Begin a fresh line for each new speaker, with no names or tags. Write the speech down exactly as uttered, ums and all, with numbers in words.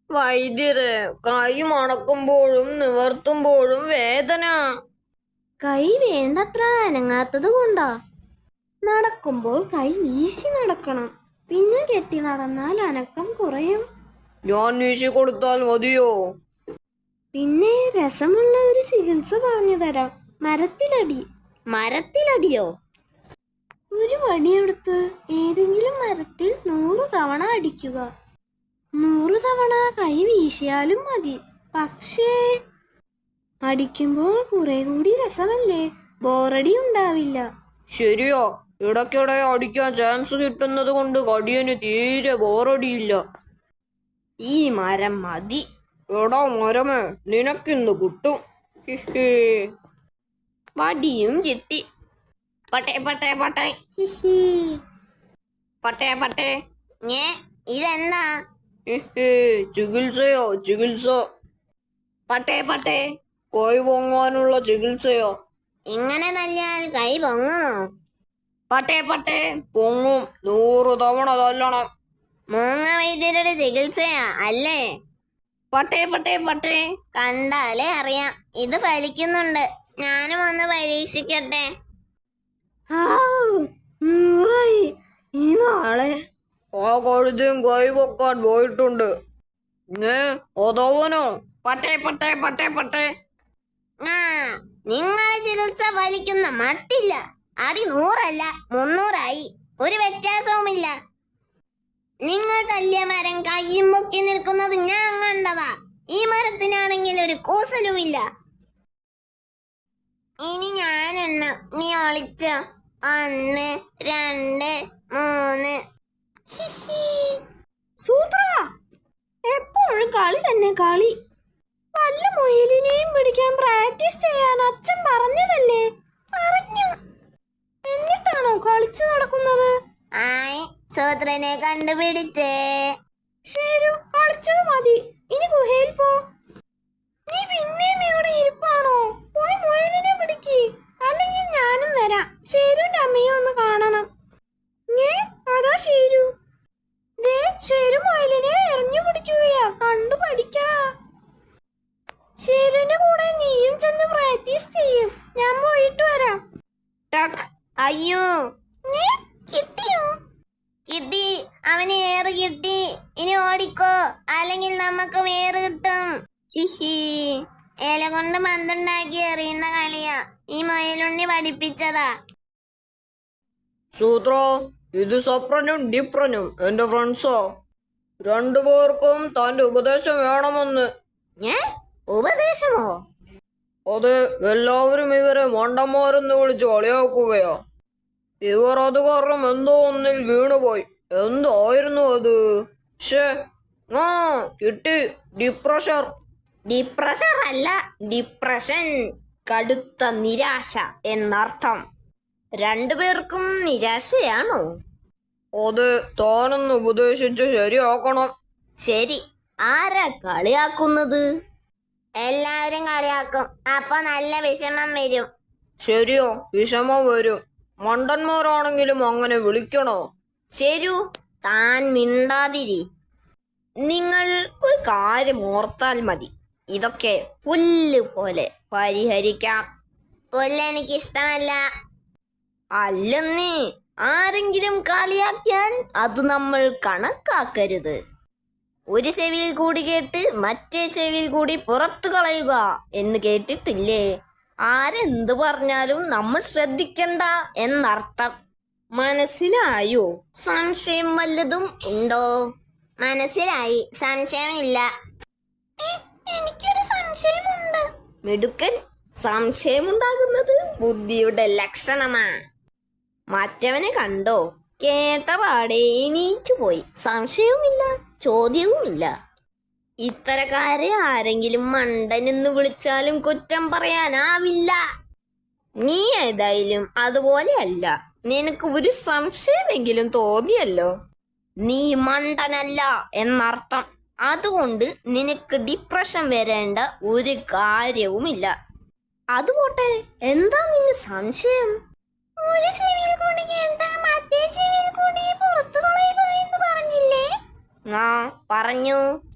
വൈദ്യരെ, കൈ മണക്കുമ്പോഴും നിവർത്തുമ്പോഴും വേദന.
കൈ വേണ്ടത്ര അനങ്ങാത്തത് കൊണ്ടാ. നടക്കുമ്പോൾ കൈ വീശി നടക്കണം. പിന്നെ കെട്ടി നടന്നാൽ അനക്കം കുറയും.
ഞാൻ വീശി കൊടുത്താൽ മതിയോ?
പിന്നെ രസമുള്ള ഒരു ചികിത്സ പറഞ്ഞു തരാം. മരത്തിലടി.
മരത്തിലടിയോ?
ഒരു വടിയെടുത്ത് ഏതെങ്കിലും മരത്തിൽ നൂറു തവണ അടിക്കുക. നൂറു തവണ കൈ വീശിയാലും മതി. പക്ഷേ അടിക്കുമ്പോൾ കുറെ കൂടി രസമല്ലേ, ബോറടി ഉണ്ടാവില്ല.
ശരിയോ? ഇടയ്ക്കിടെ അടിക്കാൻ ചാൻസ് കിട്ടുന്നത് കൊണ്ട് കടിയന് തീരെ ബോറടിയില്ല.
ഈ മരം മതി.
എടാ മരമേ, നിനക്കിന്ന് കിട്ടും. ഹിഹി.
വടിയും കിട്ടി. പട്ടേ പട്ടേ പട്ടേ
ഹിഹി.
പട്ടേ പട്ടേ. ഞേ ഇതെന്താ?
ഹിഹി. ചികിത്സയോ? ചികിത്സ.
പട്ടേ പട്ടേ.
കൈ പൊങ്ങാനുള്ള ചികിത്സയോ?
ഇങ്ങനെ തല്ലിയാൽ കൈ പൊങ്ങുമോ? പട്ടേ പട്ടേ.
പൊങ്ങും. നൂറ് തവണ തല്ലണം.
മൂങ്ങ വൈദ്യരുടെ ചികിത്സയാ അല്ലേ? പട്ടേ പട്ടേ പട്ടേ. കണ്ടാലേ അറിയാം ഇത് ഫലിക്കുന്നുണ്ട്. ഞാനും ഒന്ന് പരീക്ഷിക്കട്ടെ.
നൂറായി. ഈ നാളെ
ആ കഴുതയും കൈ പൊക്കാൻ പോയിട്ടുണ്ട്. ഏ അതവനോ?
പട്ടേ പട്ടേ പട്ടേ പട്ടേ. ആ നിങ്ങളെ ചികിത്സ ഫലിക്കുന്ന മട്ടില്ല. അടി നൂറല്ല മുന്നൂറായി. ഒരു വ്യത്യാസവുമില്ല. നിങ്ങൾ തല്ലിയ മരം കയ്യും പൊക്കി നിൽക്കുന്നത് ഞാൻ കണ്ടതാ. ഈ മരത്തിനാണെങ്കിൽ ഒരു കൂസലുമില്ല. ഇനി ഞാൻ എണ്ണ, നീ ഒളിച്ചോ. ഒന്ന് രണ്ട് മൂന്ന്.
സൂത്ര, എപ്പോഴും കളി തന്നെ കളി. വല്ല മുയലിനെയും പിടിക്കാൻ പ്രാക്ടീസ് ചെയ്യാൻ അച്ഛൻ പറഞ്ഞതല്ലേ? പറഞ്ഞു. എന്നിട്ടാണോ കളിച്ചു നടക്കുന്നത്?
ആയ് സൂത്രനെ കണ്ടുപിടിച്ചേ.
ശരു, കളിച്ചത് മതി. ഇനി ഗുഹയിൽ പോ. നീ പിന്നെയും ഇവിടെ ഇരിപ്പാണോ? പോയി മുയലിനെ പിടിക്ക്. അല്ലെങ്കിൽ ഞാനും വരാം. ഷേരുവിന്റെ അമ്മയെ ഒന്ന് കാണണം. ഏ അതാ ഷേരു. ദേ ഷേരു മുയലിനെ എറിഞ്ഞു പിടിക്കുകയാ. കണ്ടു പഠിക്കടാ. ഷേരുവിന്റെ കൂടെ നീയും ചെന്ന് പ്രാക്ടീസ് ചെയ്യും. ഞാൻ പോയിട്ട് വരാം.
ടക്ക്. അയ്യോ, കിട്ടിയോ? കിട്ടി. അവന് ഏറ് കിട്ടി. ഇനി ഓടിക്കോ, അല്ലെങ്കിൽ നമുക്ക് ഏറ് കിട്ടും. ഹിഹി. ഇല കൊണ്ട് പന്തുണ്ടാക്കി എറിയുന്ന കളിയാ. ഈ മുയലുണ്ണി പഠിപ്പിച്ചതാ.
സൂത്ര, ഇത് സപ്രനും ഡിപ്രനും എന്റെ ഫ്രണ്ട്സോ. രണ്ടുപേർക്കും തന്റെ ഉപദേശം വേണമെന്ന്.
ഏ ഉപദേശമോ?
അത് എല്ലാവരും ഇവരെ മണ്ടന്മാരെന്ന് വിളിച്ച് കളിയാക്കുകയോ. ഇവർ അത് കാരണം എന്തോ ഒന്നിൽ വീണുപോയി. എന്തായിരുന്നു അത്? ഷേ ആ കിട്ടി. ഡിപ്രഷർ.
ഡിപ്രഷർ അല്ല, ഡിപ്രഷൻ. കടുത്ത നിരാശ എന്നർത്ഥം. രണ്ടുപേർക്കും നിരാശയാണോ?
അത് താനൊന്ന് ഉപദേശിച്ച് ശരിയാക്കണം.
ശരി. ആരാ കളിയാക്കുന്നത്? എല്ലാവരും കളിയാക്കും. അപ്പൊ നല്ല വിഷമം വരും.
ശരിയോ? വിഷമം വരും. മണ്ടന്മാരാണെങ്കിലും അങ്ങനെ വിളിക്കണോ?
ശരു, താൻ മിണ്ടാതിരി. നിങ്ങൾ ഒരു കാര്യം ഓർത്താൽ മതി. ഇതൊക്കെ പുല്ല് പോലെ പരിഹരിക്കാം. പുല്ല് എനിക്ക് ഇഷ്ടമല്ല. അല്ലെന്നേ, ആരെങ്കിലും കളിയാക്കിയാൽ അത് നമ്മൾ കണക്കാക്കരുത്. ഒരു ചെവിയിൽ കൂടി കേട്ട് മറ്റേ ചെവിയിൽ കൂടി പുറത്തു കളയുക എന്ന് കേട്ടിട്ടില്ലേ? ആരെന്ത് പറഞ്ഞാലും നമ്മൾ ശ്രദ്ധിക്കണ്ട എന്നർത്ഥം. മനസ്സിലായോ? സംശയം വല്ലതും ഉണ്ടോ? മനസ്സിലായി. സംശയമില്ല.
എനിക്കൊരു സംശയമുണ്ട്.
മിടുക്കൻ. സംശയമുണ്ടാകുന്നത് ബുദ്ധിയുടെ ലക്ഷണമാ. മറ്റവനെ കണ്ടോ? കേട്ട പാടെ എണീറ്റു പോയി. സംശയവുമില്ല, ചോദ്യവുമില്ല. ഇത്തരക്കാരെ ആരെങ്കിലും മണ്ടനെന്ന് വിളിച്ചാലും കുറ്റം പറയാനാവില്ല. നീ ഏതായാലും അതുപോലെയല്ല. നിനക്ക് ഒരു സംശയമെങ്കിലും തോന്നിയല്ലോ. നീ മണ്ടനല്ല എന്നർത്ഥം. അതുകൊണ്ട് നിനക്ക് ഡിപ്രഷൻ വരേണ്ട ഒരു കാര്യവുമില്ല. അതുപോട്ടെ, എന്താ നിന്റെ സംശയം? ഒരു ചെവിയിൽ കൂടി കേട്ട മറ്റേ ചെവിയിൽ കൂടി പുറത്തു കളയുക എന്ന് പറഞ്ഞില്ലേ? ആ പറഞ്ഞു.